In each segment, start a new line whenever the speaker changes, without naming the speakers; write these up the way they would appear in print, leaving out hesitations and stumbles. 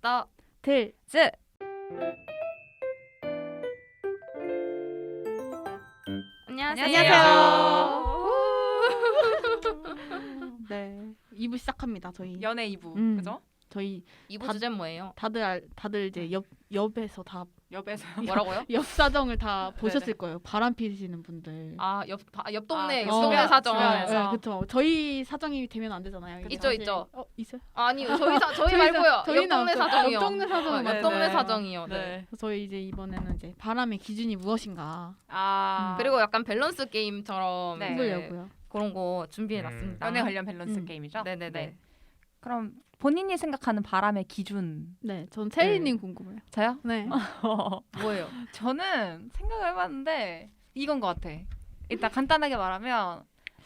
떠
들즈.
안녕하세요.
네, 2부 시작합니다. 저희
연애 2부 그죠?
저희
2부 주제 뭐예요?
다들 이제 옆에서 다
옆에서
뭐라고요?
옆 사정을 다 보셨을 거예요. 바람 피시는 분들.
옆 동네
그
옆 동네
주변,
사정.
주변에서.
네, 그렇죠. 저희 사정이 되면 안 되잖아요. 이게
있죠,
사실-
있죠.
있어요?
아니 저희 말고요. 옆 동네
없어요.
사정이요.
옆 동네 사정은
옆 동네
네.
사정이요. 네.
네.
그래서 저희 이제 이번에는 이제 바람의 기준이 무엇인가
그리고 약간 밸런스 게임처럼
네.
해보려고요.
그런 거 준비해놨습니다.
연애 관련 밸런스
음.
게임이죠?
네네네.
네. 그럼 본인이 생각하는 바람의 기준.
네, 전 체리님 궁금해요.
저요?
네.
뭐예요?
저는 생각을 해봤는데 이건 것 같아. 일단 간단하게 말하면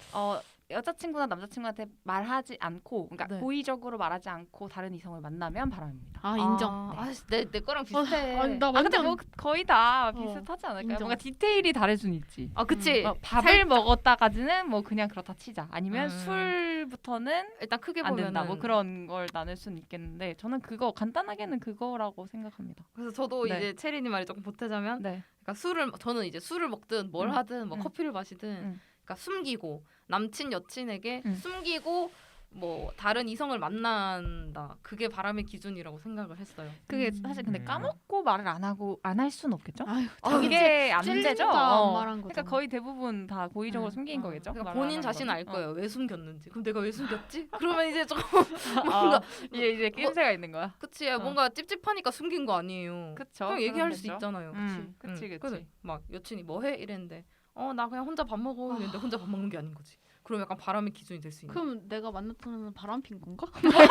여자친구나 남자친구한테 말하지 않고, 그러니까
네.
고의적으로 말하지 않고 다른 이성을 만나면 바람입니다.
아 인정.
내 거랑 비슷해.
아니, 나
아 근데
완전
뭐 거의 다 비슷하지 않을까요?
인정.
뭔가 디테일이 다를 수는 있지.
그치.
밥을 먹었다까지는 뭐 그냥 그렇다 치자. 아니면
음.
술부터는
일단 크게
안
보면은
된다. 뭐 그런 걸 나눌 수는 있겠는데 저는 그거 간단하게는 그거라고 생각합니다.
그래서 저도
네.
이제 체리님 말이 조금 보태자면,
네.
그러니까 저는 이제 술을 먹든 뭘 하든 뭐 커피를 마시든, 그러니까 숨기고 남친 여친에게 숨기고 뭐 다른 이성을 만난다. 그게 바람의 기준이라고 생각을 했어요.
그게 사실 근데 까먹고 말을 안 할 수는 없겠죠?
아유,
그게 안
찔리니까
되죠.
안 말한 거죠.
그러니까 거의 대부분 다 고의적으로 숨긴 거겠죠.
그러니까
말을 안
본인
하는
자신은 알
거는.
거예요. 왜 숨겼는지. 그럼 내가 왜 숨겼지? 그러면 이제 조금
뭔가 이제 낌새가 있는 거야.
그치, 뭔가 찝찝하니까 숨긴 거 아니에요.
그쵸.
그냥 얘기할 수
그렇겠죠.
있잖아요.
그치.
그래. 막 여친이 뭐 해? 이랬는데 나 그냥 혼자 밥 먹어. 이랬는데 혼자 밥 먹는 게 아닌 거지. 그럼 약간 바람의 기준이 될 수 있는.
그럼 내가 만났다는 바람 핀 건가?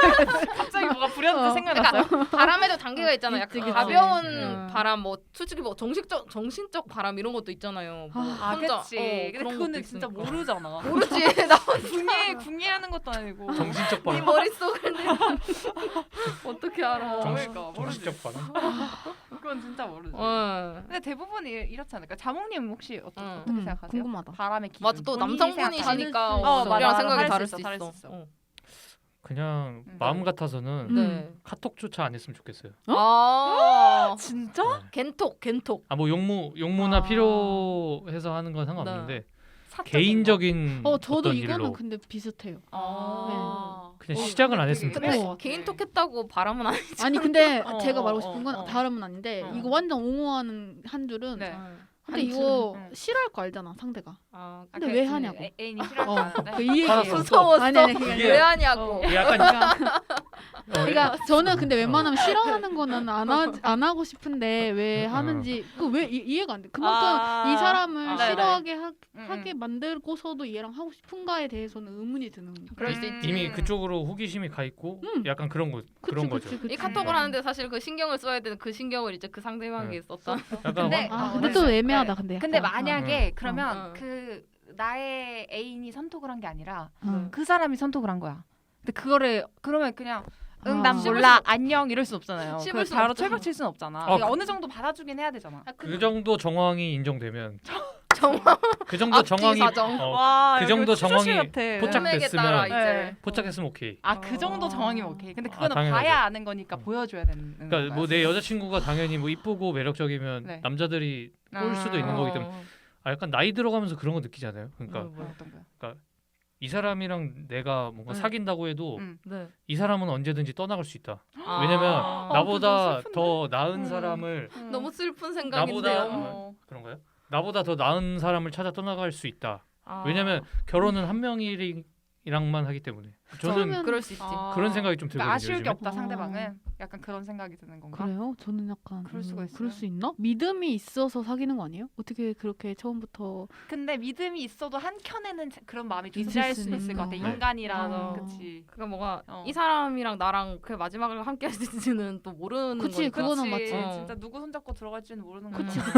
갑자기 뭐가 불현듯 생각났어요.
그러니까 바람에도 단계가 있잖아요.
있지,
약간
그치.
가벼운 바람, 뭐 솔직히 뭐 정신적 바람 이런 것도 있잖아요. 뭐 혼자,
그치. 근데
그런
그거는
것도
진짜
있으니까.
모르잖아.
모르지. 나
궁예하는 것도 아니고.
정신적
네
바람.
머릿속을 어떻게 알아.
그러니까 모르지.
정신적 바람.
그건 진짜 모르지.
근데
대부분 이렇지 않을까? 자몽님 혹시 어떻게 생각하세요?
궁금하다.
바람의 기준.
맞아, 또
본인이
남성분이시니까
생각하는-
우리랑
맞아.
생각이 다를
수
수
있어.
있어.
그냥 마음 같아서는
네.
카톡조차 안 했으면 좋겠어요.
진짜?
겐톡.
뭐 용무나 필요해서 하는 건 상관없는데 개인적인
저도
어떤
이거는
일로
근데 비슷해요.
그냥 시작을 안 했으면
근데
좋겠어.
개인톡 했다고 바람은 아니지.
아니 근데
어,
제가
어,
말하고 싶은 건
어.
바람은 아닌데
어.
이거 완전 옹호하는 한 줄은
네.
근데
한
이거
줄은,
싫어할 거 알잖아 상대가.
아,
근데 왜 하냐고.
애인이 싫어하지 않은데.
그 이 얘기예요.
알았어.
무서웠어.
아니
이게-
왜 하냐고.
이게 약간
그러니까 저는 근데 웬만하면 싫어하는 거는 안 하고 싶은데 왜 하는지 왜 이해가 안 돼. 그만큼 이 사람을
네네.
싫어하게 하게 만들고서도 얘랑 하고 싶은가에 대해서는 의문이 드는 거예요.
그럴 수 있지.
이미 그쪽으로 호기심이 가 있고 약간 그런 거죠.
이 카톡을 하는데 사실 그 신경을 써야 되는 그 신경을 이제 그 상대방에게 썼다.
약간
근데
근데 또 애매하다 근데.
근데
약간.
만약에 그러면
어.
그 나의 애인이 선톡을 한 게 아니라
어.
그 사람이 선톡을 한 거야. 근데 그거를 그러면 그냥 난
씹을
몰라 안녕 이럴 수 없잖아요.
씹을
그
수
바로
없죠.
철벽 칠 수는 없잖아.
어,
어느 정도 받아주긴 해야 되잖아.
그 정도 정황이 인정되면
정황.
그 정도
앞뒤
정황이
사정.
그 정도 정황이
포착 따라 이제.
네.
포착했으면 오케이.
그 정도 정황이면 오케이. 근데 그거는
당연하죠.
봐야 아는 거니까 보여줘야 되는
그러니까
거야.
뭐 내 여자친구가 당연히 뭐 이쁘고 매력적이면
네.
남자들이 꼴 수도 있는 거기 때문에 약간 나이 들어가면서 그런 거 느끼잖아요. 그러니까
어떤 거야?
이 사람이랑 내가 뭔가 사귄다고 해도
네.
이 사람은 언제든지 떠나갈 수 있다.
아.
왜냐면
그거
나보다
슬픈데?
더 나은 사람을
너무 슬픈
나보다
생각인데요.
그런가요? 나보다 더 나은 사람을 찾아 떠나갈 수 있다.
아.
왜냐면 결혼은 한 명이랑만 하기 때문에 저는
그럴 수 있지.
그런 생각이 좀 들거든요.
그러니까 아쉬울 게
요즘에.
없다 상대방은 약간 그런 생각이 드는 건가?
그래요? 저는 약간
그럴 수가 있어요.
그럴 수 있나? 믿음이 있어서 사귀는 거 아니에요? 어떻게 그렇게 처음부터
근데 믿음이 있어도 한 켠에는 그런 마음이
있을
존재할
수는
수도 있을 것 같아.
있나?
인간이라서
네.
그치.
그러니까 뭐가
어.
이 사람이랑 나랑 그 마지막을 함께 할지는 또 모르는
그치,
거니까.
그거는 맞지.
진짜 누구 손잡고 들어갈지는 모르는 거야.
그치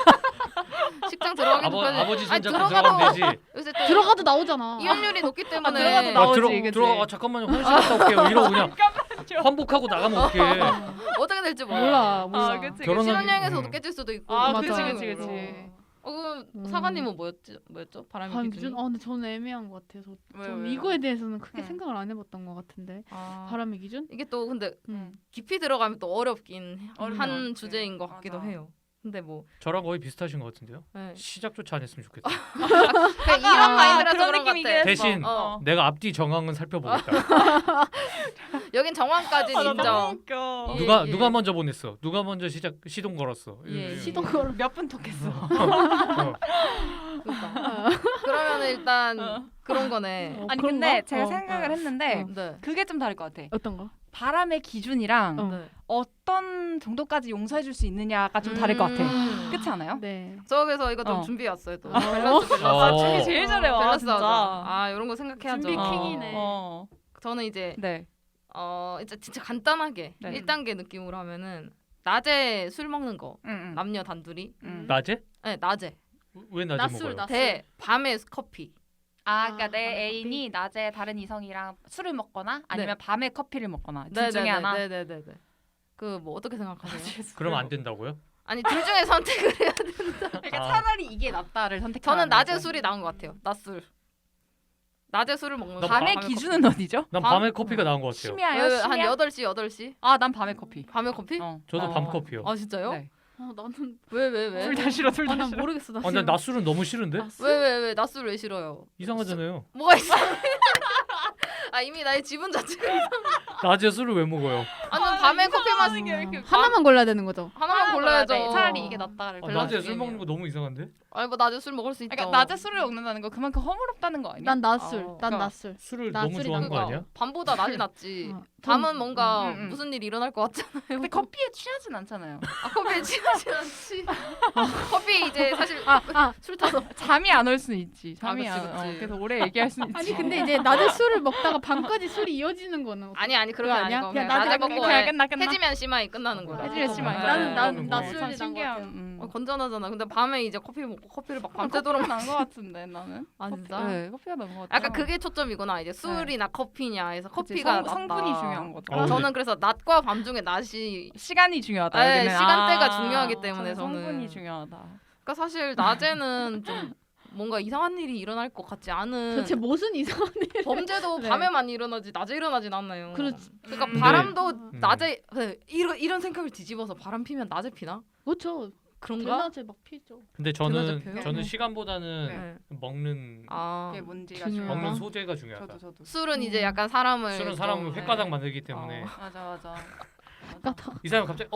식장 들어가기도 전에
아버지
아니,
손잡고 들어가면 되지.
요새 또
들어가도 나오잖아.
이혼율이 높기 때문에
들어가도 나오지,
들어
그치?
들어가 잠깐만요. 화장실 갔다 올게요. 이러고 그냥 환복하고 나가면 어떡해.
어떻게 될지 몰라.
몰라.
그치,
결혼은-
신혼여행에서도 깨질 수도 있고.
아,
맞아.
그치.
어. 그럼
음.
사관님은 뭐였죠? 바람의
바람
기준이?
기준? 근데 저는 애매한 것 같아요. 좀
왜요?
이거에 대해서는 크게
응.
생각을 안 해봤던 것 같은데.
아,
바람의 기준?
이게 또 근데
음.
깊이 들어가면 또 어렵긴
어려운
한
것 같아.
주제인 것 같기도
맞아.
해요. 근데 뭐
저랑 거의 비슷하신 것 같은데요.
네.
시작조차 안 했으면 좋겠다.
그냥 이런 마인드라서
그런
그런 것
느낌이긴
같아.
했어.
대신
어.
내가 앞뒤 정황은 살펴보겠다.
여긴 정황까지는 인정.
웃겨.
예,
누가
예.
누가 먼저 보냈어? 누가 먼저 시동 걸었어?
예,
시동 걸어.
몇분 톡했어.
어.
그러니까. 그러면 일단
어.
그런 거네.
아니
그런가?
근데 제가
어.
생각을 했는데
네.
그게 좀 다를 것 같아.
어떤 거?
바람의 기준이랑
어.
네.
어떤 정도까지 용서해줄 수 있느냐가 좀 다를 것 같아. 그렇지 않아요?
네.
저 그래서 이거 좀
어.
준비해 왔어요 또.
어.
밸런스.
어.
준비 제일 잘해 와
밸런스
진짜.
하자. 아 이런 거 생각해야죠.
준비 킹이네.
어.
저는 이제
네.
이제 진짜 간단하게
네.
1단계 느낌으로 하면은 낮에 술 먹는 거
응.
남녀 단둘이.
낮에?
네 낮에.
왜 낮에
낮술,
먹어요?
낮술.
대 밤에 커피.
그러니까 내
밤에
애인이 낮에 다른 이성이랑 술을 먹거나 아니면 밤에 커피를 먹거나 둘
네,
중에
네,
하나.
네네네. 그 뭐 어떻게 생각하세요?
그러면 안 된다고요?
아니 둘 중에 선택을 해야 돼.
그러니까
아.
차라리 이게 낫다를 선택하는
저는 낮에
거죠.
술이 나은 것 같아요. 낮술. 낮에 술을 먹는
나
거.
밤의 기준은 어디죠?
난
밤?
밤에 커피가 나은 것 같아요.
심야요?
한
심야?
8시.
난 밤에 커피.
밤에 커피?
어.
저도 밤 커피요.
아 진짜요?
네.
나는
왜?
둘 다 싫어. 둘 다
난
싫어.
모르겠어. 나
근데 낮술은 너무 싫은데?
왜 낮술 왜 싫어요?
이상하잖아요.
뭐가 있어? 아 이미 나의 지분 자체가
낮에 술을 왜 먹어요?
아니 밤에 커피 마시는 게 이렇게
하나만 골라야 되는 거죠.
하나만 골라야죠.
돼. 차라리 이게 낫다를.
아,
밸런스
낮에 술
게임이에요.
먹는 거 너무 이상한데?
아니 뭐 낮에 술 먹을 수 있죠.
그러니까 낮에 술을 먹는다는 거 그만큼 허물없다는 거 아니야?
난 낮술. 난
그러니까
낮술.
술을
낮술이
너무 좋아하는 거
그러니까
아니야?
밤보다 낮이 낫지.
어.
밤은 뭔가
음.
무슨 일이 일어날 것 같잖아요.
근데 커피에 취하진 않잖아요.
커피에 취하진 않지. 커피 이제 사실 술 타서
잠이 안 올 수는 있지. 잠이
그치,
안.
그치.
그래서 오래 얘기할 수는 있지.
아니 근데 이제 낮에 술을 먹다가 밤까지 술이 이어지는 거는
아니 그런 게
그거 아니야?
아니고
그냥
그냥 낮에
낮에
먹고
그냥 끝나.
해지면 심하이 끝나는 거야.
해지면 심하이.
나는
그거는 뭐
낮술이
참
난것
신기한.
같아요.
건전하잖아. 근데 밤에 이제 커피 먹고 커피를 막
밤새도록
밤새도록
난것 같은데 나는.
아 진짜?
네, 커피가 나은 것 같아.
약간 그게 초점이구나. 이제 술이나 커피냐 해서
그치,
커피가 낫다.
성분이 중요한 거죠.
어,
저는 그래서 낮과 밤 중에 낮이
시간이 중요하다.
네,
여기는.
시간대가 중요하기 때문에 저는.
성분이 중요하다.
그러니까 사실 낮에는 좀 뭔가 이상한 일이 일어날 것 같지 않은
도대체 무슨 이상한 일?
범죄도
네.
밤에만 일어나지 낮에 일어나진 않나요.
그렇지.
그러니까
근데-
바람도 낮에 이런 생각을 뒤집어서 바람 피면 낮에 피나?
그렇죠.
그런가?
대낮에 막 피죠.
근데
대낮에 펴요?
저는
네.
시간보다는
네.
먹는
아
그게 뭔지가
중요하다.
중요하다.
먹는 소재가 중요하다.
저도.
술은 이제 약간 사람을
술은
좀-
사람을
네.
횟가닥 만들기 때문에
맞아.
까다.
이 사람 갑자기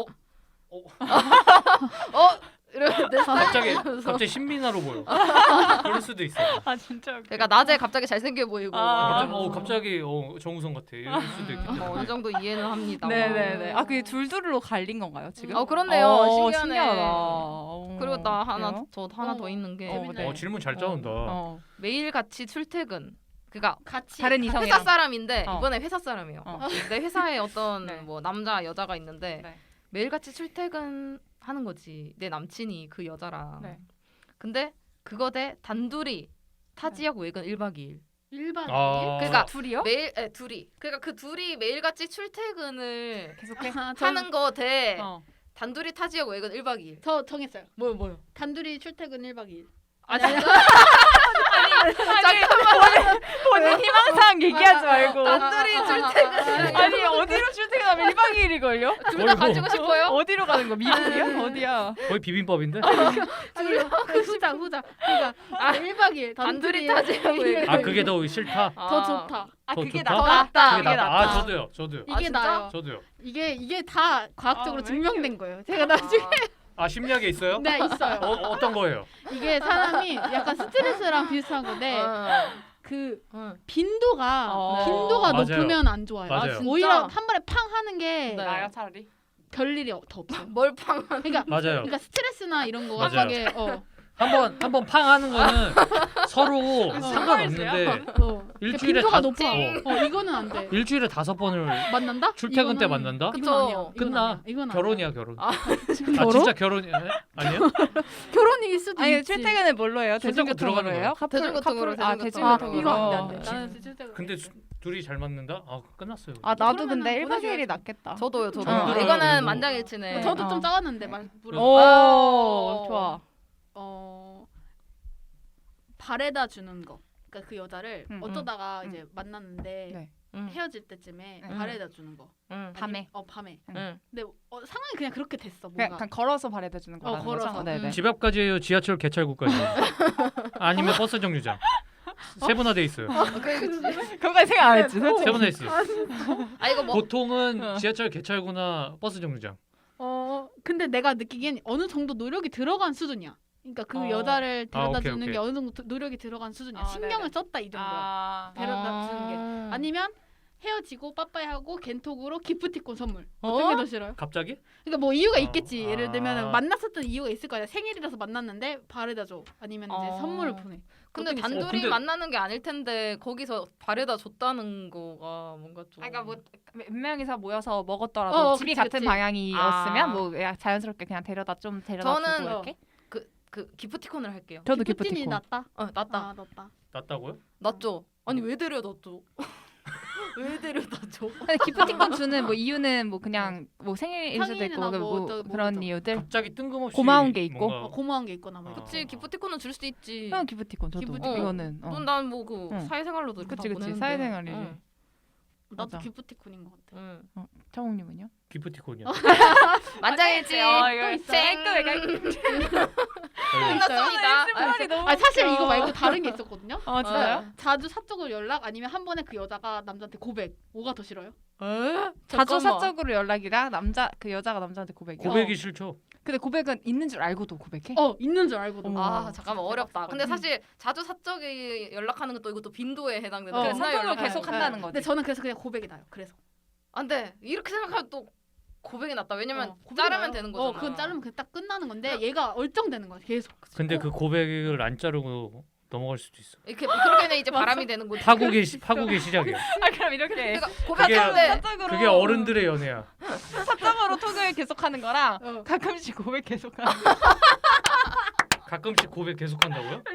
이러면 내
갑자기 신민아로 보여. 그럴 수도 있어.
아 진짜. 웃겨.
그러니까 낮에 갑자기 잘생겨 보이고
아.
갑자기 정우성 같아. 이럴 수도 있기 때문에.
어느 정도 이해는 합니다.
네네네. 그게 둘둘로 갈린 건가요 지금?
그렇네요. 신기하네.
신기하다.
그리고 나
그래요?
저 하나 더 있는 게
네.
질문 잘 짜온다.
매일 같이 출퇴근. 그러니까
같이
다른
회사
이성이랑.
사람인데
어.
이번에 회사 사람이에요.
어.
내 회사에 어떤
네.
뭐 남자 여자가 있는데
네.
매일 같이 출퇴근하는 거지. 내 남친이 그 여자랑.
네.
근데 그거 대 단둘이 타지역 외근 1박 2일.
1박 2일?
그러니까
둘이요?
매일 둘이. 그러니까 그 둘이 매일 같이 출퇴근을
계속해.
하는 거 대
어.
단둘이 타지역 외근 1박 2일.
저 정했어요.
뭐요?
단둘이 출퇴근 1박 2일.
아 진짜?
본인 희망사항 얘기하지 말고.
단둘이 출퇴근.
아니 어디로 출퇴근하면 1박 2일이 걸려?
둘 다 가지고 싶어요?
어디로 가는 거? 미국이야? 어디야?
거의 비빔밥인데?
아니 후자. 그러니까 1박 2일
단둘이 타지역 외근.
아 그게 더 싫다.
더 좋다.
아
더
그게
좋다?
낫다.
그게
그게 낫다. 아 저도요.
이게
진짜?
나요.
저도요.
이게 다 과학적으로
왜
증명된 거예요. 제가 나중에
아 심리학에 있어요?
네 있어요.
어떤 거예요?
이게 사람이 약간 스트레스랑 비슷한 건데 그 빈도가
맞아요.
높으면 안 좋아요.
맞아요.
오히려 한 번에 팡 하는 게
네.
나요 차라리.
별일이 더 없어요.
멀팡.
그러니까
맞아요.
스트레스나 이런 거가
맞아요.
되게
한번 팡 하는 거는 서로 상관없는데 일주일에
빈도가
다-
높아. 이거는 안 돼.
일주일에 5번을
만난다?
출퇴근 때
이거는-
만난다?
그쵸.
이건 아니야. 이건
끝나.
아니야. 이건 아니야.
결혼이야 결혼.
아,
결혼?
진짜 결혼이 아니에요?
결혼일 수도
아니
있지.
출퇴근을 뭘로 해요?
손잡고 들어가는
대중교통으로 해요?
대중교통으로,
아
대중교통으로.
대중교통으로.
이거 안 돼, 안 돼.
어.
나는 출퇴근.
근데 둘이 잘 맞는다? 아 끝났어요.
아 나도
그러면은
근데 1박 2일이
보내줘야지.
낫겠다.
저도요.
정들어요,
이거는
그리고.
만장일치네.
저도
어.
좀 짜왔는데 말 물어.
오 좋아.
바래다 주는 거. 그러니까 그 여자를 어쩌다가
응.
이제 만났는데
네.
헤어질 때쯤에
응.
바래다 주는 거.
밤에.
밤에.
응.
근데 상황이 그냥 그렇게 됐어.
그냥,
뭔가.
그냥 걸어서 바래다 주는 거라는
걸어서.
거죠? 네네.
음.
집 앞까지 해요? 지하철 개찰구까지? 아니면 버스 정류장? 세분화돼 있어요.
그거까지 생각 안 했지. 솔직히.
세분화돼 있어요.
아 이거 뭐
보통은 지하철 개찰구나 버스 정류장.
근데 내가 느끼기엔 어느 정도 노력이 들어간 수준이야. 그러니까 그 여자를 데려다
오케이,
주는
오케이.
게 어느 정도 노력이 들어간 수준이야.
아,
신경을
네네.
썼다 이 정도야.
아,
데려다 주는 게. 아니면 헤어지고 빠빠이하고 겐톡으로 기프티콘 선물.
어?
어떤 게 더 싫어요?
갑자기?
그러니까 뭐 이유가
어,
있겠지. 예를 들면
아.
만났었던 이유가 있을 거야. 생일이라서 만났는데 바래다 줘. 아니면 이제
어.
선물을 보내.
근데
어떤 게 있어요?
단둘이
근데-
만나는 게 아닐 텐데 거기서 바래다 줬다는 거가 뭔가 좀.
그러니까 뭐 몇 명이서 모여서 먹었더라도 집이
그치,
같은
그치.
방향이었으면
아.
뭐 그냥 자연스럽게 그냥 데려다
저는
주고 이렇게.
그 기프티콘을 할게요.
저도
기프틴이
기프티콘.
낫다.
낫다.
아, 낫다.
낫다고요?
낫죠. 아니 왜 데려다 줘? 왜 데려다 줘?
근데 기프티콘 주는 뭐 이유는 뭐 그냥 뭐 생일일 수도 있고
생일이나
뭐,
뭐 또
그런
뭐죠.
이유들.
갑자기 뜬금없이
고마운 게 있고.
뭔가
고마운 게 있거나 뭐.
어.
그치 기프티콘은 줄 수도 있지.
형 기프티콘 저도
기프티콘.
이거는.
난 뭐 그
응.
사회생활로도 이렇게
그치,
다
그치.
보내는데.
사회생활이지.
응.
나도
맞아.
기프티콘인 것 같아.
응.
차홍님은요?
기프티콘이야.
만장일치.
이거
있어요?
끝났습니다.
아 사실 이거 말고 다른 게 있었거든요.
아 진짜요?
자주 사적으로 연락 아니면 한 번에 그 여자가 남자한테 고백. 뭐가 더 싫어요?
자주
잠깐만.
사적으로 연락이랑 그 여자가 남자한테 고백이요.
고백이 싫죠.
근데 고백은 있는 줄 알고도 고백해?
있는 줄 알고도.
어머.
아 잠깐만 어렵다. 근데
음.
사실 자주 사적이 연락하는 것도 이것도 빈도에 해당되는
어.
거야.
그래, 사적으로
연락하는
계속
거야.
한다는
근데
거지.
저는 그래서 그냥 고백이 나요. 그래서.
안돼 이렇게 생각하면 또 고백이 낫다. 왜냐면
고백이
자르면
나요.
되는 거잖아.
그건 자르면 그냥 딱 끝나는 건데 얘가 얼쩡되는 거야. 계속.
근데 그 고백을 안 자르고 넘어갈 수도 있어.
이렇게 그렇게는 이제 바람이 되는 거지.
파국의 시작이야.
아 그럼 이렇게
그러니까
그게-
고백하는데
사적으로
그게 어른들의 연애야.
사적으로 톡을 계속하는 거랑 가끔씩 고백 계속하는 거.
가끔씩 고백 계속한다고요?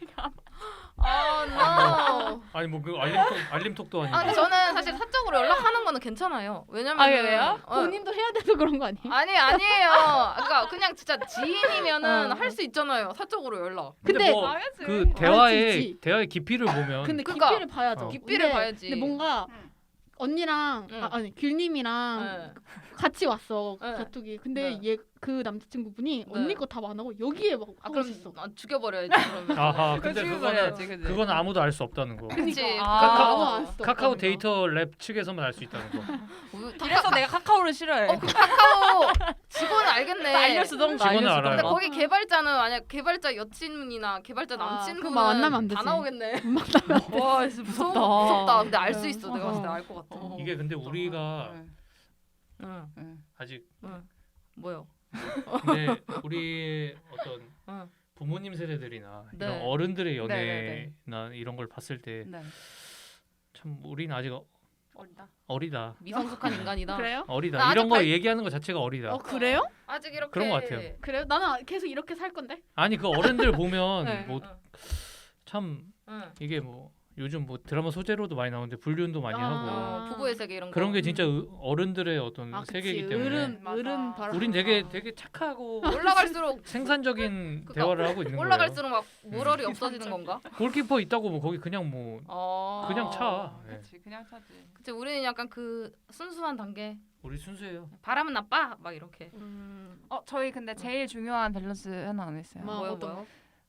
no.
아니 뭐 그 알림톡도 아니고.
아 근데 저는 사실 사적으로 연락하는 거는 괜찮아요. 왜냐면
아, 왜요?
본인도 해야 돼서 그런 거 아니에요?
아니에요. 그러니까 그냥 진짜 지인이면은 할 수 있잖아요. 사적으로 연락.
근데
뭐
알겠지.
그 대화의
알지.
대화의 깊이를 보면
근데
그러니까,
깊이를 봐야죠.
깊이를
근데-
봐야지.
근데 뭔가 언니랑
응.
아니 귤님이랑
네.
같이 왔어
네.
가톡이. 근데
네.
얘 그 남자친구분이 언니 거 답 안 하고 여기에 막 하고
그럼
있어.
죽여버려야지 그러면.
아하 근데
죽여버려야지,
그거는
그지?
그건 아무도 알 수 없다는 거.
그치.
아,
아무 안 써.
카카오 데이터 랩 측에서만 알 수 있다는 거.
그래서 내가 카카오를 싫어해.
카카오 직원은 알겠네.
알려주던가.
직원은 알아요.
근데
알려주던가.
거기 개발자는 만약 개발자 여친이나 개발자
그럼
남친분은
만나면 안
다
되지.
나오겠네.
만나면
와 진짜
무섭다.
무섭다. 근데 알 수 있어.
어.
내가 봤을 때 알 것 같아.
이게 근데 우리가
응.
아직
뭐요?
근데 우리 어떤
응.
부모님 세대들이나
네.
이런 어른들의 연애나
네,
이런 걸 봤을 때
네.
참 우리는 아직
어리다.
어리다.
미성숙한 인간이다.
그래요?
어리다.
나
이런
아직
거
갈-
얘기하는 거 자체가 어리다.
그래요?
아직 이렇게
그런 것 같아요.
그래요? 나는 계속 이렇게 살 건데.
아니 그 어른들 보면
네.
뭐 참
응.
이게 뭐 요즘 뭐 드라마 소재로도 많이 나오는데 불륜도 많이
아.
하고
부부의 세계 이런 거.
그런 게 진짜 어른들의 어떤
그치.
세계이기 때문에
어른
맞아.
바람.
우린 되게 착하고
올라갈수록
생산적인
그러니까
대화를 하고 있는
올라갈수록 막
음.
모럴이 없어지는 건가?
거예요. 골키퍼 있다고 뭐 거기 그냥 뭐 그냥 차. 예.
그렇지, 그냥 차지.
그치 우리는 약간 그 순수한 단계.
우리 순수해요.
바람은 나빠 막 이렇게.
저희 근데 제일 중요한 밸런스 하나 안 했어요.
뭐?
뭐요
어떤
뭐요?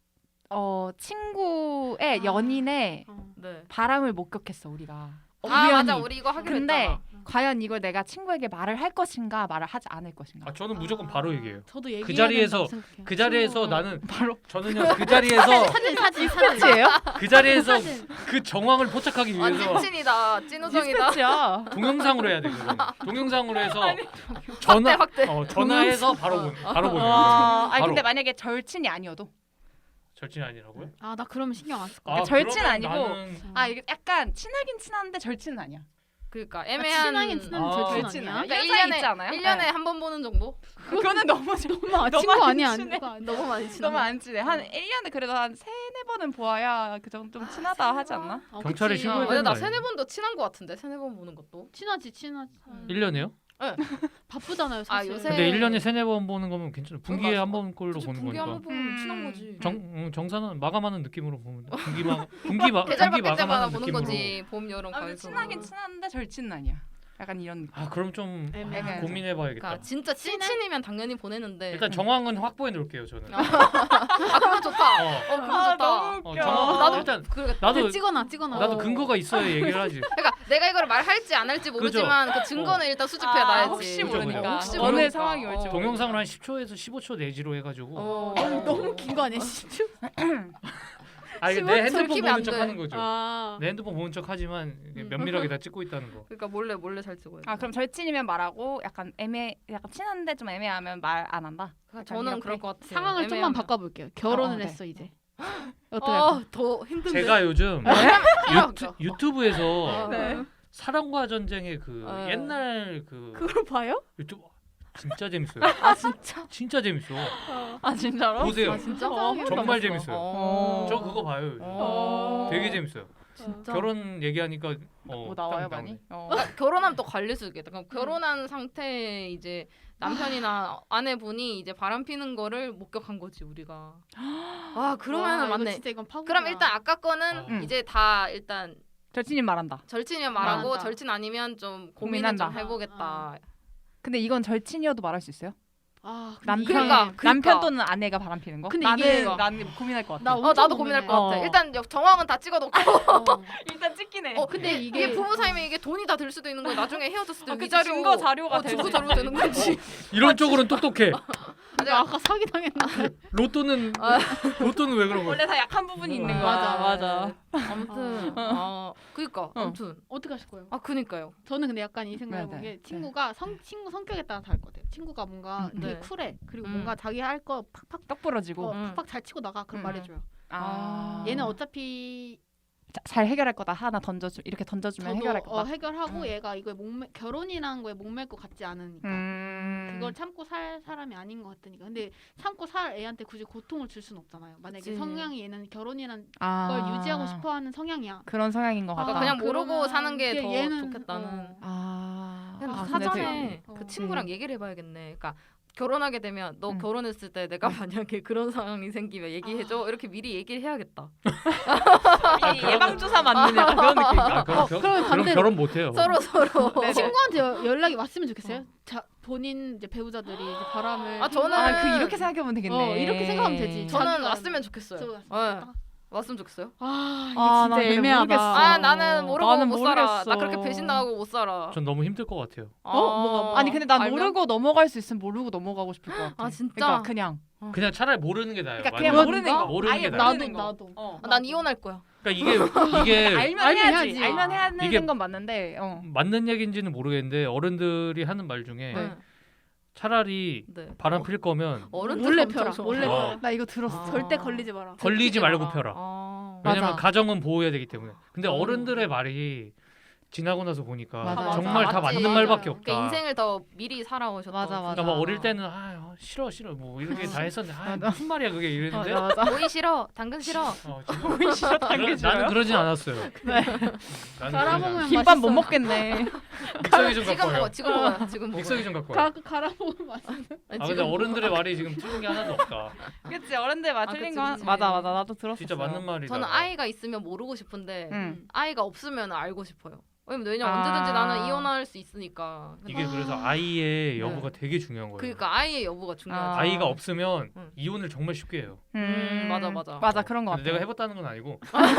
친구의
아.
연인의
네.
바람을 목격했어 우리가.
아
우연히.
맞아 우리 이거 하기로
근데
했잖아.
과연 이걸 내가 친구에게 말을 할 것인가 말을 하지 않을 것인가.
아 저는 무조건 바로 얘기해요.
저도 얘기해야
자리에서-
된다고 생각해요.
그 자리에서
친구.
나는
바로
저는요 그 자리에서
사진
스포츠예요?
그 자리에서
사진.
그 정황을 포착하기
완
위해서
찐친이다. 찐우정이다.
스포츠야.
동영상으로 해야 돼 그건. 동영상으로 해서 전화
확대.
전화해서 바로 보는 바로 보는 거예요.
아니
바로.
근데 만약에 절친이 아니어도
절친 아니라고요?
아 나 그러면 신경 안 쓸 거야.
그러니까 절친
그러면
아니고
나는
아 이게 약간 친하긴 친한데 절친은 아니야.
그러니까 애매한.
친하긴 친한데
아,
절친
절친
아니야?
아니야?
그러니까
이런 사이 있지 않아요?
1년에
네.
한 번 보는 정도?
그거는 너무
너무
너무
친구
안
아니야.
친해.
그거 아니야.
너무 많이 친하.
너무 안 친해. 한 1년에 그래도 한 3-4번은 보아야 그 정도 좀 친하다 하지 않나?
아,
경찰에
그치.
신고해야
근데 나
되는 거
3-4번도 친한 거 같은데 3-4번 보는 것도.
친하지.
1년에요?
바쁘잖아요, 사실.
요새-
근데 1년에 3-4번 보는 거면 괜찮아. 분기에
맞아.
한 번 꼴로
그치,
보는
분기
거니까.
한번 보면 친한 거지.
정산은 마감하는 느낌으로 보면 돼.
계절
분기
바뀔 때마다
마감하는
보는
느낌으로.
거지. 봄, 여름,
아, 근데
가을.
친하긴 친한데 절친은 아니야. 약간 이런 느낌.
아 그럼 좀
애매하죠.
고민해봐야겠다.
그러니까 진짜 찐친이면 당연히 보내는데.
일단 정황은 확보해 놓을게요 저는.
그거 좋다.
어,
그거 좋다.
너무 웃겨.
정황
나도
일단
그러니까,
나도
찍어놔.
나도 근거가 있어야 얘기를 하지.
그러니까 내가 이걸 말할지 안 할지 모르지만 그 증거는 일단 수집해 놔야지.
혹시
그죠,
모르니까.
그죠.
혹시
어느
모르니까.
상황이 올지
동영상을 한 10초에서 15초 내지로 해가지고.
너무 긴 거 아니야, 진짜?
아 이게 내
15초
핸드폰
키면
보는
안
척
돼.
하는 거죠.
아.
내 핸드폰 보는 척 하지만 면밀하게 다 찍고 있다는 거.
그러니까 몰래 잘 찍어요.
아 그럼 절친이면 말하고 약간 약간 친한데 좀 애매하면 말 안 한다.
저는 그럴 것 같아요.
상황을 좀만
애매하면.
바꿔볼게요. 결혼을
네.
했어 이제. 어떻게 할까?
더 힘든데.
제가 요즘 유튜브에서
네.
사랑과 전쟁의 그
어.
옛날 그
그걸 봐요?
유튜브 진짜 재밌어요.
아 진짜?
진짜 재밌어.
아 진짜로?
보세요.
아 진짜?
정말 재밌어요.
어.
저 그거 봐요. 요즘.
어.
되게 재밌어요.
진짜.
결혼 얘기하니까
뭐 나와요
딱
많이?
나오네.
그러니까 결혼하면 또 관리 수 있겠다. 그럼 결혼한 상태에 이제 남편이나 아내분이 이제 바람 피는 거를 목격한 거지 우리가. 아 그러면은
와, 이거
맞네.
진짜 이건 파고.
그럼 일단 아까 거는
응.
이제 다 일단
절친이면 말한다.
절친이면 말하고
말한다.
절친 아니면 좀 고민은
고민한다.
좀 해보겠다.
근데 이건 절친이어도 말할 수 있어요?
아,
남편
그러니까.
남편 또는 아내가 바람피는 거?
근데
나는
이게-
나는 고민할 것 같아.
나
나도
엄청
고민할 것
고민해.
같아. 일단 정황은 다 찍어놓고.
일단 찍긴 해.
근데 이게 부부 사이면 이게 돈이 다 들 수도 있는 거야. 나중에 헤어졌을 때
그치,
위자료
증거 자료가
증거
되지.
자료가 되는 거지.
이런 쪽으로는 똑똑해.
나 아까 사기 당했는데.
로또는 왜 그런 거야?
원래 다 약한 부분이 있는
어.
거야. 맞아.
아무튼 그니까 아무튼
어떻게 하실 거예요?
그니까요.
저는 근데 약간 이 생각해
네,
본
네.
게 친구가 친구 성격에 따라 다를 것 같아요. 친구가 뭔가 되게
네.
쿨해. 그리고
음.
뭔가 자기 할 거 팍팍
떡 부러지고.
팍팍 잘 치고 나가. 그럼
음.
말해줘요.
아.
얘는 어차피
잘 해결할 거다. 하나 이렇게 던져주면
저도
해결할 거다.
해결하고 얘가 이거에 결혼이라는 거에 목맬 것 같지 않으니까. 그걸 참고 살 사람이 아닌 것 같으니까. 근데 참고 살 애한테 굳이 고통을 줄 수는 없잖아요. 만약에
그치.
성향이 얘는 결혼이란
아.
걸 유지하고 싶어하는 성향이야.
그런 성향인 것 같다.
그러니까 그냥 모르고
그러면
사는 게 더
얘는,
좋겠다는.
아.
그냥
아,
사전에
되게-
그 친구랑 얘기를 해봐야겠네. 그러니까 결혼하게 되면 너 결혼했을 때 내가 만약에 그런 상황이 생기면 얘기해줘. 이렇게 미리 얘기를 해야겠다.
예방 주사 맞는 약간 그런 느낌인가?
아, 그럼,
그러면
그럼
반대로.
결혼 못 해요.
서로
네네.
친구한테 연락이 왔으면 좋겠어요. 자, 본인 이제 배우자들이 이제 바람을
저는
이렇게 생각해보면 되겠네.
이렇게 생각하면 되지.
저는
자기가
왔으면 좋겠어요.
저도
네.
왔으면
왔으면 좋겠어요.
이게
아,
진짜
나 근데
애매하다.
모르겠어.
나는 모르고
나는
못 살아.
모르겠어.
나 그렇게 배신당하고 못 살아.
전 너무 힘들 것 같아요.
뭐가
아니 근데 난
알면?
모르고 넘어갈 수 있으면 모르고 넘어가고 싶을 것 같아.
아, 진짜?
그러니까 그냥.
그냥 차라리 모르는 게 나아요.
그러니까
만약에.
그냥 모르는 거.
모르는
아예
게 나아요.
모르는
나도.
거.
난 이혼할 거야.
그러니까 이게
알면
알면
해야지.
해야지.
알면 해야 되는
이게-
건 맞는데.
맞는 얘기인지는 모르겠는데 어른들이 하는 말 중에
네.
차라리
네.
바람 필 거면
어른들
몰래
엄청
펴라.
좋아.
몰래
어.
펴라.
나 이거 들었어.
절대 걸리지 마라.
걸리지 말고
마라.
펴라. 왜냐면
맞아.
가정은 보호해야 되기 때문에. 근데
음.
어른들의 말이 지나고 나서 보니까
맞아,
정말
맞아.
다 맞는
맞지.
말밖에 없다.
그러니까 인생을 더 미리 살아오셨다.
맞아, 맞아.
그러니까 막 어릴 때는 싫어 뭐 이렇게 다 했었는데
맞아.
무슨 말이야 그게 이랬는데
맞아.
오이 싫어, 당근 싫어.
지금 나는 그러진 않았어요.
갈아먹으면
김밥 못
맛있어요.
먹겠네.
믹서기 좀
지금
갖고
먹어,
와요.
지금 먹어요, 지금 먹어.
믹서기 좀 갖고 와요.
갈아먹으면 맛있어.
아 근데 어른들의 말이 지금 틀린 게 하나도 없다.
그치 어른들 말 틀린
그치,
거
그치.
맞아 나도 들었어.
진짜 맞는 말이다.
저는 아이가 있으면 모르고 싶은데
응.
아이가 없으면 알고 싶어요. 왜냐면
아.
언제든지 나는 이혼할 수 있으니까.
이게 그래서 아이의 여부가 되게 중요한 거예요.
그러니까 아이의 여부가 중요하지.
아이가 없으면
응.
이혼을 정말 쉽게 해요.
맞아.
맞아 그런 거 같아.
근데 내가 해봤다는 건 아니고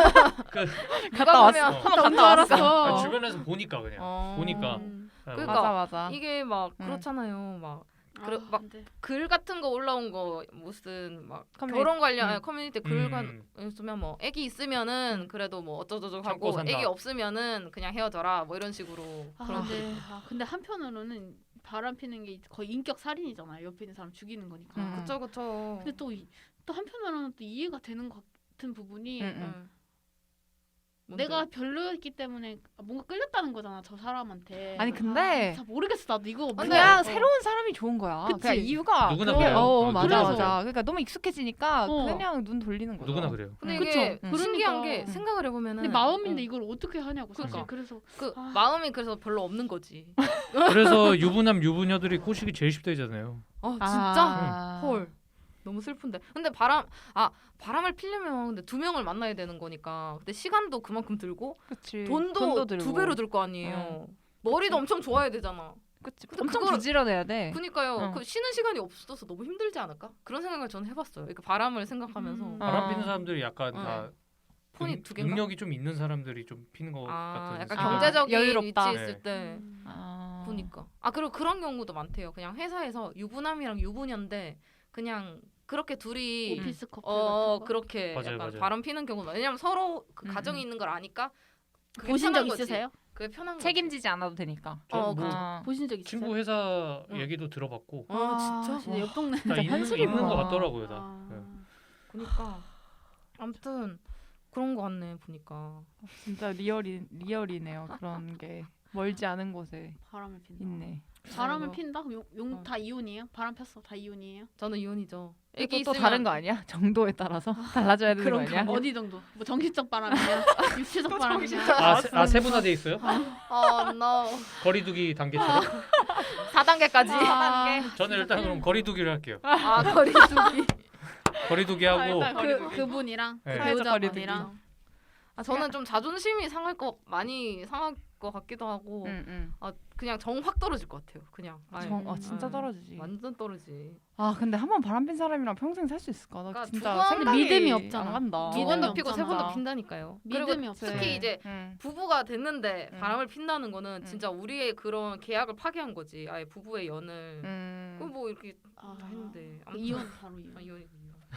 갔다
왔어.
너무 알았어.
주변에서 보니까 그냥 보니까
그러니까
맞아.
이게 막
응.
그렇잖아요. 막 그래,
아,
막
안 돼.
글 같은 거 올라온 거 무슨 막
커뮤니티.
결혼 관련
응.
커뮤니티 글 있으면 뭐 애기 있으면은 그래도 뭐 어쩌저쩌고
참고
하고
산다.
애기 없으면은 그냥 헤어져라 뭐 이런 식으로 그런
근데 한편으로는 바람 피는 게 거의 인격 살인이잖아요. 옆에 있는 사람 죽이는 거니까.
그쵸.
근데 또 한편으로는 또 이해가 되는 것 같은 부분이
응.
내가 별로였기 때문에 뭔가 끌렸다는 거잖아 저 사람한테.
아니 근데
잘 모르겠어 나도 이거
그냥 새로운 사람이 좋은 거야.
그치?
그냥 이유가
누구나
그게-
그래요.
맞아
그래서.
맞아. 그러니까 너무 익숙해지니까
어.
그냥 눈 돌리는 거죠.
누구나 그래요.
근데
그쵸?
이게
그러니까.
신기한 게
음.
생각을 해보면은
근데 마음인데 이걸 어떻게 하냐고 사실.
그러니까.
그래서
그
아.
마음이 그래서 별로 없는 거지.
그래서 유부남 유부녀들이 꼬시기 제일 쉽다잖아요.
진짜?
아.
헐. 너무 슬픈데. 근데 바람을 피려면 근데 2명을 만나야 되는 거니까. 근데 시간도 그만큼 들고
그치.
돈도
들고.
2배로 들 거 아니에요. 머리도 엄청 좋아야 되잖아.
그치.
근데
엄청
그거를-
부지런해야 돼.
그니까요.
응.
그 쉬는 시간이 없어서 너무 힘들지 않을까? 그런 생각을 저는 해봤어요. 그 바람을 생각하면서.
바람 피는 사람들이 약간
응.
다
폰이 2개인가?
능력이 좀 있는 사람들이 좀 피는 것 같은.
약간
아,
경제적인
여유롭다.
위치에 있을
네.
때
아.
보니까. 그리고 그런 경우도 많대요. 그냥 회사에서 유부남이랑 유부녀인데 그냥 그렇게 둘이
오피스 커플 같은 거.
그렇게
맞아요,
약간
맞아요.
바람 피는 경우도 많아요. 왜냐면 서로 그
음,
가정이 있는 걸 아니까 그게
보신 적
편한 거지.
있으세요?
그게 편한 거지.
책임지지 않아도 되니까.
저는 뭐
아.
보신 적 있으세요?
친구 회사
응.
얘기도 들어봤고
진짜?
진짜 옆 동네.
다 있는
현실이구나.
것 같더라고요. 다.
아.
네.
그러니까 아무튼 그런 거 같네 보니까.
진짜 리얼이네요. 그런 게 멀지 않은 곳에
바람을 핀다.
있네.
바람을
아이고.
핀다? 용
어.
다 이혼이에요? 바람 폈어 다 이혼이에요?
저는 이혼이죠.
이게
애기
또
있으면
다른 거 아니야? 정도에 따라서 달라져야 되는 거 아니야?
어디 정도? 뭐 정신적 바람이냐? 육체적 바람이냐?
세분화돼 있어요?
no.
거리두기 단계처럼?
4단계까지.
저는 일단 그럼 거리두기를 할게요.
거리두기.
거리두기 하고
그분이랑
네.
배우자분이랑
저는 좀 자존심이 많이 상할 것 같기도 하고
응.
그냥 정 확 떨어질 것 같아요. 그냥 아예.
진짜
아,
떨어지지.
완전 떨어지지.
근데 한 번 바람핀 사람이랑 평생 살 수 있을까? 나
그러니까
진짜
두 번-
생각이
믿음이 없잖아.
안 간다.
두 번도 피고 세
없잖아.
번도 핀다니까요.
믿음이
그리고
없어요.
특히 이제
응.
부부가 됐는데
응.
바람을 핀다는 거는
응.
진짜 우리의 그런 계약을 파기한 거지. 아예 부부의 연을.
응.
그럼 뭐 이렇게
아,
다 했는데 아무튼-
이혼 바로 이혼.
이혼이군요.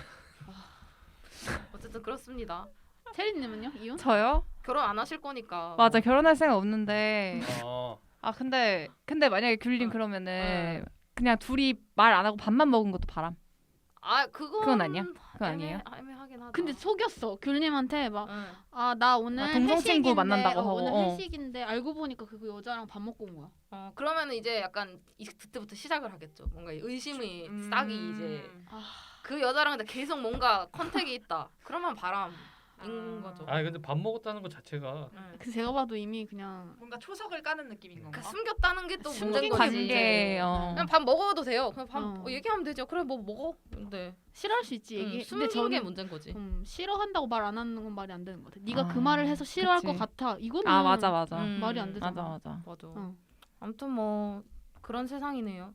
어쨌든 그렇습니다.
체리님은요? 이혼?
저요?
결혼 안 하실 거니까.
맞아 결혼할 생각 없는데
어,
근데 만약에 귤님
어.
그러면은 그냥 둘이 말 안 하고 밥만 먹은 것도 바람. 그건 아니야? 그건 아니에요?
애매하긴 하다.
근데 속였어. 귤님한테 막
응.
나 오늘
동성 친구
회식인데,
만난다고 하고,
오늘
어.
회식인데 알고 보니까 그 여자랑 밥 먹고 온 거야.
그러면은 이제 약간 그때부터 시작을 하겠죠. 뭔가 의심이 싹이 이제 그 여자랑 근데 계속 뭔가 컨택이 있다. 그러면 바람인 거죠.
근데 밥 먹었다는 것 자체가
응.
그 제가 봐도 이미 그냥
뭔가 초석을 까는 느낌인
그러니까 숨겼다는 게 또 문제인
숨긴
거지.
관계.
이제.
어.
그냥 밥 먹어도 돼요. 그냥 밥
어.
얘기하면 되죠. 그래 뭐 먹어. 근데
싫어할 수 있지 얘기. 근데
숨긴 게
저는
문제인 거지.
싫어한다고 말 안 하는 건 말이 안 되는 것 같아. 네가 그
아,
말을 해서 싫어할
그치.
것 같아. 이거는
맞아.
말이 안 되잖아.
맞아.
맞아.
어.
아무튼 뭐 그런 세상이네요.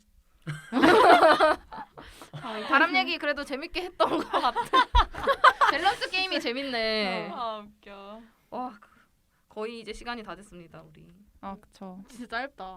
이거
바람 얘기 그래도 재밌게 했던 것 같아. 밸런스 게임이 재밌네.
웃겨.
와 거의 이제 시간이 다 됐습니다 우리.
그쵸.
진짜 짧다.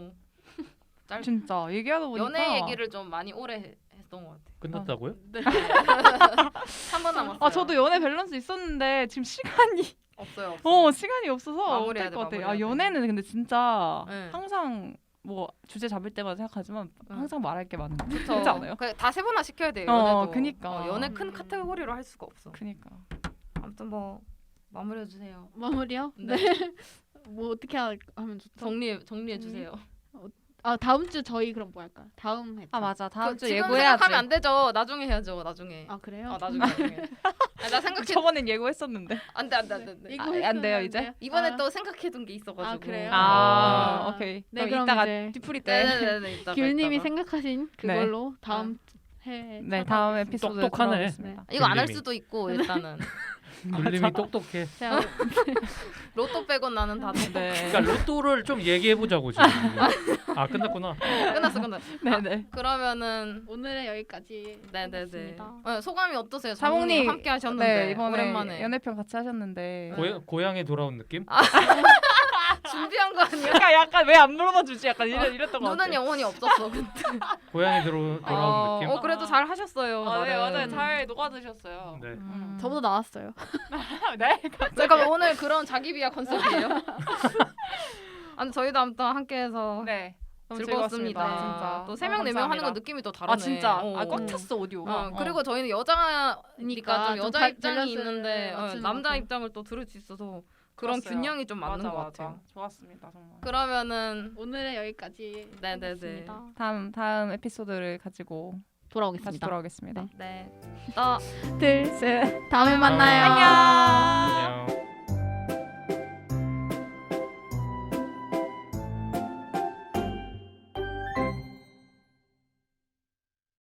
진짜 얘기하다 보니까
연애 얘기를 좀 많이 오래 했던 것 같아.
끝났다고요?
네.
3번 남았어요.
저도 연애 밸런스 있었는데 지금 시간이
없어요. 없어.
시간이 없어서
마무리해야
못할
돼,
것 같아.
마무리해야 돼.
연애는 근데 진짜
네.
항상 뭐 주제 잡을 때마다 생각하지만 항상 말할 게 많은 거
그쵸.
그렇지 않아요?
다 세분화 시켜야 돼요.
어,
연애도.
그니까.
연애 큰 카테고리로 할 수가 없어.
그니까.
아무튼 뭐 마무리해 주세요.
마무리요?
네.
뭐 어떻게 하면 좋죠?
정리해 주세요.
다음 주 저희 그럼 뭐 할까? 다음 회.
맞아. 다음 주
지금
예고해야지.
생각하면 안 되죠. 나중에 해야죠. 나중에.
그래요?
나중에. 나 생각해.
저번엔 예고했었는데.
안돼.
이거
안
했으면
돼요,
안
이제?
돼요?
이번에 또 생각해둔 게 있어가지고.
그래요?
오케이.
네,
그럼
그럼
이따가
이제
뒤풀이 때.
네네네. 이따가,
귤님이
이따가.
생각하신 그걸로 다음 해.
네, 다음 에피소드에
똑똑하네.
돌아오겠습니다.
이거 안 할
귤님이.
수도 있고 일단은
굴림이 똑똑해.
제가
로또 빼고 나는 다
네.
그러니까 로또를 좀 얘기해 보자고 지금. 끝났구나.
끝났어.
네네.
그러면은
오늘은 여기까지.
네네네.
하겠습니다.
소감이 어떠세요?
사모님
사모님 함께 하셨는데
네, 이번에
오랜만에
연애편 같이 하셨는데.
고향에 돌아온 느낌?
준비한 거 아니야?
약간 왜 안 물어봐 주지? 약간 이랬던 것
눈은
같아.
영혼이 없었어. 근데.
고향에 돌아온 느낌?
그래도 잘 하셨어요.
네,
나름.
맞아요. 잘 녹아드셨어요.
네.
저보다 나왔어요.
네.
잠깐 오늘 그런 자기 비하 컨셉이에요? 아니 저희도 아무튼 함께해서
네. 너무
즐거웠습니다.
진짜.
또 3명 4명 하는 건 느낌이 또 다르네.
아 진짜.
어.
꽉 찼어 오디오가.
그리고 저희는 여자니까
그러니까
좀 여자
좀
입장이
밸런스를
있는데
맞추는
남자
것 같아요.
입장을 또 들을 수 있어서 그런
좋았어요.
균형이 좀 맞는 것 같아요.
좋았습니다 정말.
그러면은
오늘은 여기까지
네네네.
하겠습니다.
다음 에피소드를 가지고 다시
돌아오겠습니다.
돌아오겠습니다.
네.
둘, 셋. 다음에 만나요.
안녕.